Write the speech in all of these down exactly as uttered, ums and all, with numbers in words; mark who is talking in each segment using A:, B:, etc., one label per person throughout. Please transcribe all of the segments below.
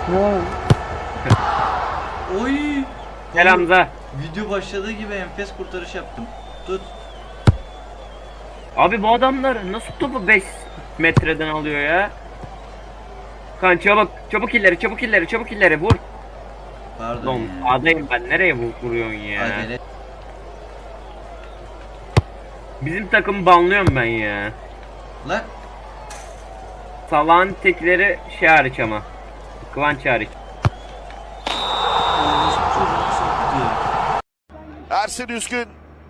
A: Ne var?
B: Oy.
C: Gel Hamza.
B: Video başladığı gibi enfes kurtarış yaptım. Tut.
C: Abi bu adamlar nasıl topu beş metreden alıyor ya? Kan çabuk, çabuk illeri, çabuk illeri, çabuk illeri vur.
B: Pardon
C: Lan
B: ya.
C: adayım ben, nereye vur, vuruyorsun ya?
B: Acele.
C: Bizim takımı banlıyorum ben ya.
B: Lan.
C: Salağın tekleri şey hariç ama. Kıvanç hariç.
B: Çocuğunu soktu.
D: Ersin Üskün.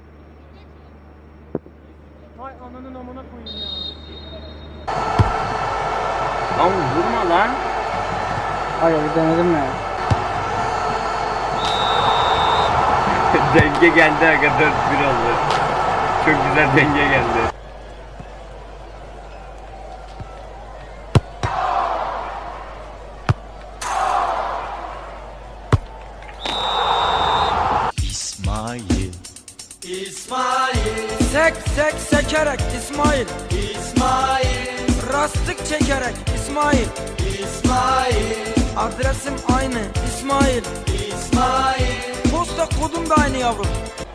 A: Hay ananın amına koyayım ya.
C: Lan vurma lan.
A: Hayır bir denedim ya.
C: Denge geldi aga, dört bir oldu. Çok güzel denge geldi.
D: İsmail.
E: Sek sek sekerek İsmail İsmail Rastlık çekerek İsmail İsmail Adresim aynı İsmail İsmail Posta kodum da aynı yavrum.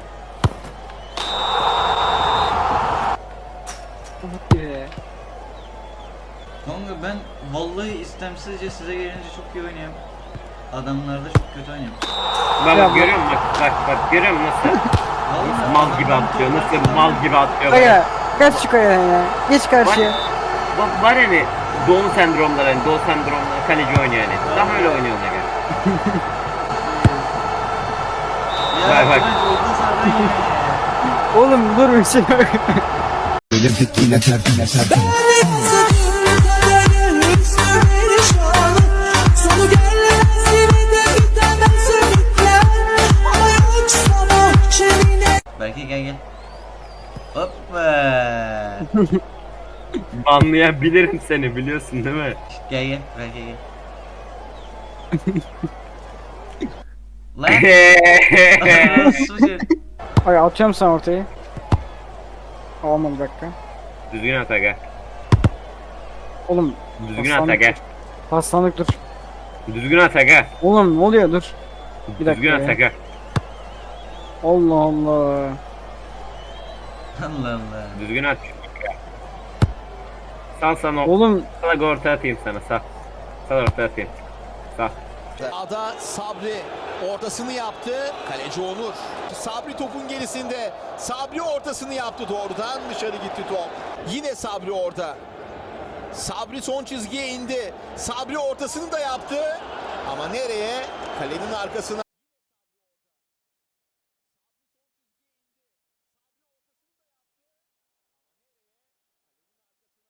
A: Ee,
B: Kanka ben vallahi istemsizce size gelince çok iyi oynuyorum. Adamlarda çok kötü oynuyorum.
C: Bak
A: Ya
C: bak
A: bu-
C: görüyor musun? Bak bak bak görüyor musun nasıl?
B: Vallahi
C: Nasıl mal gibi
B: adamlar
C: atıyor,
B: top
C: nasıl
B: atıyor.
C: mal gibi atıyor.
A: Aga kaç şu kayadan ya. Geç karşıya.
C: Bak var hani Doğu sendromları, hani Doğu sendromları kaleci oynuyor yani. Tam öyle oynuyor ona göre.
B: Ya
C: Bak, bak.
B: Kıvanç orta sahadan yiyor ya.
A: Oğlum dur bir şey yok.
F: Böyle fitkiyle tertine serpil.
G: Sonu gelmez yine de gidemez ümitler. Ama yok sana şerine.
B: Belki gel gel. Hoppa.
C: Banlayabilirim seni, biliyorsun değil mi?
B: Gel gel. Belki gel. Lan. Sucu.
A: Aga atacağım sana ortayı. Olmadı bir dakika.
C: Düzgün at aga.
A: Oğlum
C: Düzgün at aga.
A: paslandık dur.
C: Düzgün at aga.
A: Oğlum ne oluyor dur. Bir dakika
C: Düzgün at
A: ya.
C: aga.
A: Allah Allah.
B: Allah Allah.
C: Düzgün at. Sal sana,
A: Oğlum
C: sal orta atayım sana, sal. Sal orta atayım. Sal.
D: Ada Sabri ortasını yaptı. Kaleci Onur. Sabri topun gerisinde. Sabri ortasını yaptı doğrudan. Dışarı gitti top. Yine Sabri orada. Sabri son çizgiye indi. Sabri ortasını da yaptı. Ama nereye? Kalenin arkasına.